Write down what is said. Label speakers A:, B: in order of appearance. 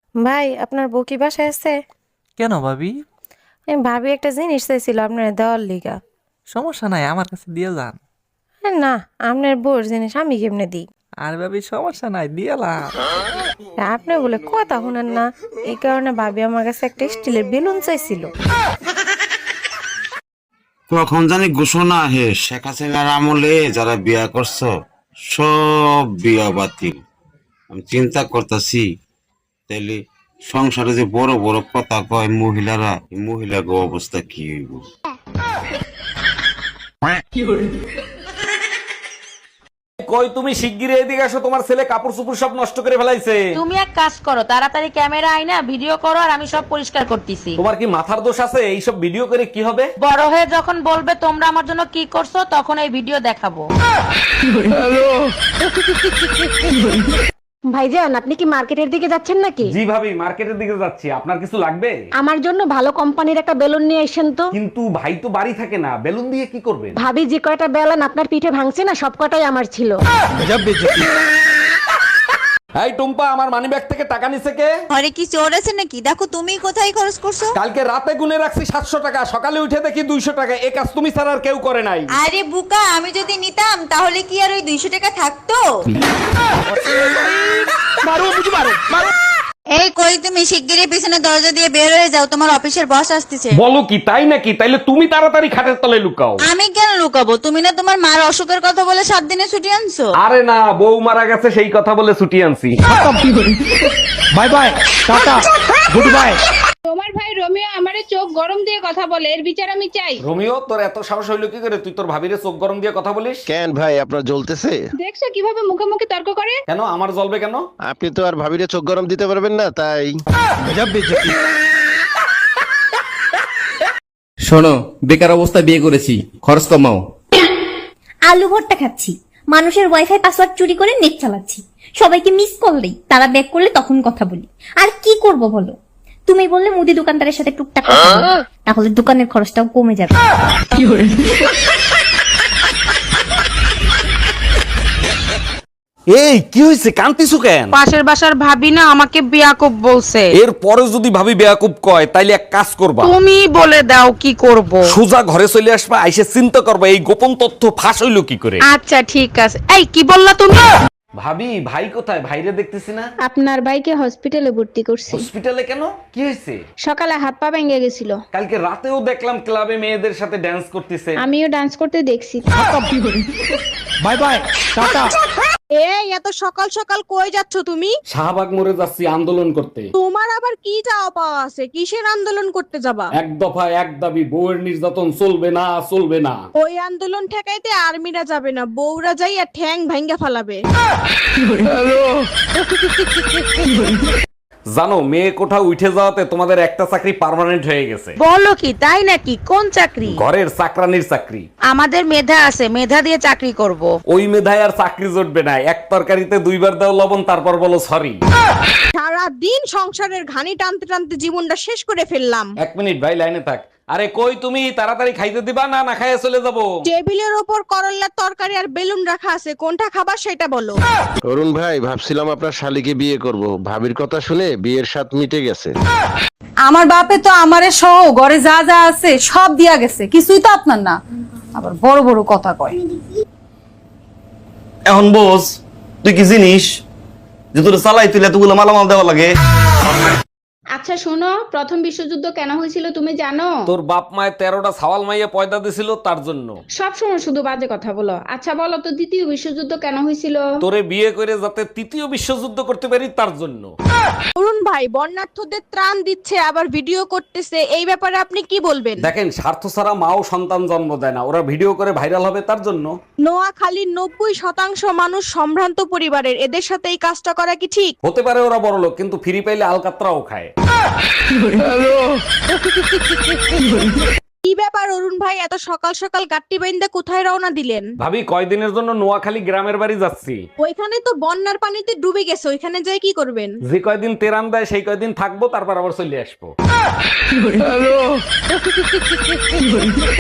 A: ভাই আপনার বউ কি বাসায় আছে?
B: কেন ভাবি?
A: ভাবি একটা জিনিস চাইছিল আপনার দেওয়ার লিগা।
B: সমস্যা নাই, আমার কাছে দিয়ে যান।
A: না, আপনার বউর জিনিস আমি কেমনে দিই?
B: আর ভাবি সমস্যা নাই, দিয়েলাম।
A: আপনি বলে কথা শুনেন না, এই কারণে ভাবি আমার কাছে একটা স্টিলের বেলুন চাইছিল।
C: কখন জানি ঘোষণা হে শেখ হাসিনার আমলে যারা বিয়া করছো সব বিয়া বাতিল। আমি চিন্তা করতেছি তাইলে সংসারে যে বড় বড় কথা কয় মহিলারা, এই মহিলাকে অবস্থা কি হইব?
D: কই তুমি শিগগিরই এদিকে আসো, তোমার ছেলে কাপড় চোপড় সব নষ্ট করে ফেলাইছে।
E: তুমি এক কাজ করো, তাড়াতাড়ি ক্যামেরা আইনা ভিডিও করো, আর আমি সব পরিষ্কার করতেছি।
D: তোমার কি মাথার দোষ আছে? এইসব ভিডিও করে কি হবে?
E: বড় হয়ে যখন বলবে তোমরা আমার জন্য কি করছো, তখন এই ভিডিও দেখাবো।
F: ভাইজান, আপনি কি মার্কেটের দিকে যাচ্ছেন নাকি?
D: জি ভাবি, মার্কেটের দিকে যাচ্ছি। আপনার কিছু লাগবে?
F: আমার জন্য ভালো কোম্পানির একটা বেলুন নিয়ে আসেন তো।
D: কিন্তু ভাই তো বাড়ি থাকে না, বেলুন দিয়ে কি করবেন?
F: ভাবি যে কয়টা বেলুন আপনার পিঠে ভাঙছে না, সব কটাই আমার ছিল।
D: এই টুম্পা, আমার মানিব্যাগ থেকে টাকা নিছে কে?
G: ঘরে কি চোর আছে নাকি? দেখো তুমি কোথায় খরচ করছো।
D: কালকে রাতে গুনে রাখছি 700 টাকা, সকালে উঠে দেখি 200 টাকা। এই কাজ তুমি ছাড়া আর কেউ করে নাই।
G: আরে বুকা, আমি যদি নিতাম তাহলে কি আর ওই 200 টাকা থাকতো? এই কই, তুমি শিগগিরই পিছনে দরজা দিয়ে বের হয়ে যাও, তোমার অফিসের বস আসতেছে।
D: বলো কি, তাই নাকি? তাইলে তুমি তাড়াতাড়ি খাটের তলায় লুকাও।
G: আমি কেন লুকাবো? তুমি না তোমার মার অসুখের কথা বলে 7 দিনে ছুটি আনছো।
D: আরে না, বউ মারা গেছে সেই কথা বলে ছুটি আনছি।
B: Bye bye, tata, goodbye.
H: তোমার ভাই রোমিও আমারে চোখ গরম দিয়ে কথা বলে, এর বিচার আমি চাই।
D: রোমিও, তোর এত সাহস হইলো কি করে? তুই তোর ভাবিরে চোখ গরম দিয়ে কথা বলিস?
I: কেন ভাই, আপনার জ্বলতেছে?
H: দেখছো কিভাবে মুখে মুখে তর্ক করে?
D: কেন আমার জ্বলবে কেন?
I: আপনি তো আর ভাবিরে চোখ গরম দিতে পারবেন না, তাই।
J: শোনো, বেকার অবস্থায় বিয়ে করেছি, খরচ কমাও।
K: আলু ভর্তা খাচ্ছি, মানুষের ওয়াইফাই পাসওয়ার্ড চুরি করে নেট চালাচ্ছি, সবাইকে মিস কল দেই, তারা ব্যাক করলে তখন কথা বলি। আর কি করব বলো? তুমি বললে মুদি দোকানদারের সাথে টুকটাক কথা বলো, তাহলে দোকানের খরচটাও কমে যাবে।
D: এই কি হইছে, কান্তিছু কেন?
E: পাশের বাসার ভাবি না আমাকে বিয়াকুব বলছে।
D: এর পরে যদি ভাবি বেয়াকুব কয়, তাইলে এক কাজ করবা,
E: তুমি বলে দাও কি করব।
D: সোজা ঘরে চলে আসবা, আইসে চিন্তা করবা এই গোপন তথ্য ফাঁস হইলো কি করে।
E: আচ্ছা ঠিক আছে। এই কি বললা তুমি?
D: ভাবি, ভাই কোথায়? ভাইরে দেখতেছি না।
H: আপনার ভাইকে হসপিটালে ভর্তি করছি।
D: হসপিটালে কেন? কি হয়েছে?
H: সকালে হাত পা ভেঙে গেছিল।
D: কালকে রাতেও দেখলাম ক্লাবে মেয়েদের সাথে ড্যান্স করতেছে।
H: আমিও ডান্স করতে দেখছি।
B: Bye bye, tata.
F: এই এত সকাল সকাল কই যাচ্ছ তুমি?
D: শাহবাগ মোড়ে যাচ্ছি আন্দোলন করতে।
F: তোমার আবার কি চাওয়া পাওয়া আছে? কিসের আন্দোলন করতে যাবা?
D: এক দফা এক দাবি, বউয়ের নির্যাতন চলবে না, চলবে না।
F: ওই আন্দোলন ঠেকাইতে আর্মিরা যাবে না, বউরা যাই আর ঠ্যাং ভাঙ্গা ফালাবে।
D: জানো, মেয়ে কোঠাও উঠে যাওয়াতে তোমাদের একটা চাকরি পার্মানেন্ট হয়ে গেছে।
E: বলো কি, তাই নাকি? কোন চাকরি?
D: ঘরের চাকরানির চাকরি।
E: আমাদের মেধা আছে, মেধা দিয়ে চাকরি করব।
D: ওই মেধায় আর চাকরি জুটবে না। এক তরকারিতে 2 বার দাও লবণ, তারপর বলো সরি।
F: সারা দিন সংসারের ঘানি টানতে টানতে জীবনটা শেষ করে ফেললাম।
D: 1 মিনিট ভাই, লাইনে থাক। আরে কই তুমি? তাড়াতাড়ি খাইতে দিবা না না খাইয়ে চলে যাবো?
F: টেবিলের ওপর করল্লার তরকারি আর বেলুন রাখা আছে, কোনটা খাবার সেটা বলো।
I: অরুণ ভাই, ভাবছিলাম আপনার শালিকে বিয়ে করব, ভাবির কথা শুনে বিয়ের স্বাদ মিটে গেছে।
G: আমার বাপে তো আমারে সহ ঘরে যা যা আছে সব দিয়া গেছে, কিছুই তো আপনার না, আবার বড় বড় কথা কয়।
J: এখন বোঝ, তুই কি জিনিস যে তোর চালাই তুই এতগুলো মালামাল দেওয়া লাগে?
H: আচ্ছা শোনো, প্রথম বিশ্বযুদ্ধ কেন হয়েছিল তুমি জানো?
D: তোর বাপ মায়ের 13টা ছাওয়াল মাইয়া পয়দা দিছিল, তার জন্য।
H: সব সময় শুধু বাজে কথা বলো। আচ্ছা বলো তো, দ্বিতীয় বিশ্বযুদ্ধ কেন হয়েছিল?
D: তোরে বিয়ে করে যাতে 3য় বিশ্বযুদ্ধ করতে পারি, তার জন্য।
F: অরুণ ভাই বন্যার্থদের ত্রাণ দিচ্ছে, আবার ভিডিও করতেছে, এই ব্যাপারে আপনি কি বলবেন?
D: দেখেন, স্বার্থ ছাড়া মাও সন্তান জন্ম দেয় না। ওরা ভিডিও করে ভাইরাল হবে, তার জন্য।
F: নোয়াখালীর 90% মানুষ সম্ভ্রান্ত পরিবারের, এদের সাথে এই কাজটা করা কি ঠিক?
D: হতে পারে ওরা বড় লোক, কিন্তু ফ্রি পাইলে আলকাতরাও খায়।
F: কি ব্যাপার অরুণ ভাই, এত সকাল সকাল গাট্টি বাইন্দা কোথায় রওনা দিলেন?
D: ভাবি, কয়দিনের জন্য নোয়াখালী গ্রামের বাড়ি যাচ্ছি।
F: ওইখানে তো বন্যার পানিতে ডুবে গেছে, ওইখানে যাই কি করবেন?
D: যে কয়দিন তেরান দেয় সেই কয়দিন থাকবো, তারপর আবার চলে আসবো।